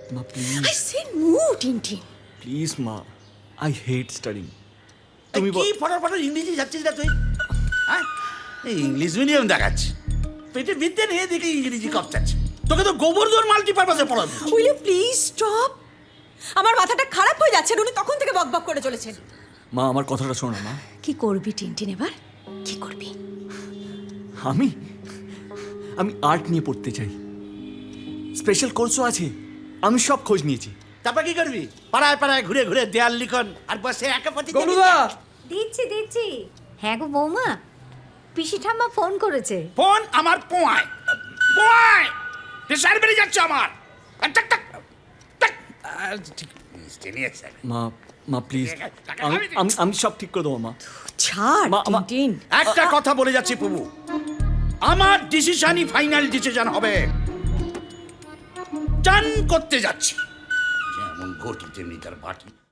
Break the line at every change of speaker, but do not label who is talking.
মা please
I said move, Tintin.
Please মা I hate studying
তুমি কি ফটাফট ইংরেজি যাচ্ছিস না তুই? হ্যাঁ, এই ইংলিশ মিডিয়াম দেখাচ্ছি, পেটে বিদ্যে নিয়ে দেখে ইংরেজি কপচাচ্ছে। তোকে তো গোবর্ধন মাল্টিপারপাসে পড়াবো।
Will you please stop? আমার মাথাটা খারাপ হয়ে যাচ্ছে, উনি তখন থেকে বকবক করে চলেছেন।
মা আমার কথাটা শোনো মা।
কি করবি টিনটিন এবার? কি করবি?
আমি আমি আর্ট নিয়ে পড়তে চাই, স্পেশাল কোর্সও আছে, আমি সব খোঁজ নিয়েছি।
তারপর কি করবি? পাড়ায় পাড়ায় ঘুরে ঘুরে দেয়াল লিখন আর বসে একা পথে
গলুদা
দিচ্ছি। হ্যাঁ গো বৌমা, পিসি ঠাম্মা ফোন করেছে।
ফোন আমার পোয়ায় পোয়ায় প্রেশার বেড়ে যাচ্ছে আমার। টাক টাক টাক। ঠিক মিষ্টি নিয়ে এসে।
মা মা প্লিজ আমি আমি আমি সব ঠিক করে দেবো মা।
ছাড়
মা-
টিনটিন।
একটা কথা বলে যাচ্ছি প্রভু, আমার ডিসিশনই ফাইনাল ডিসিশন হবে। চান করতে যাচ্ছি, যেমন ঘটি তেমনি তার বাটি।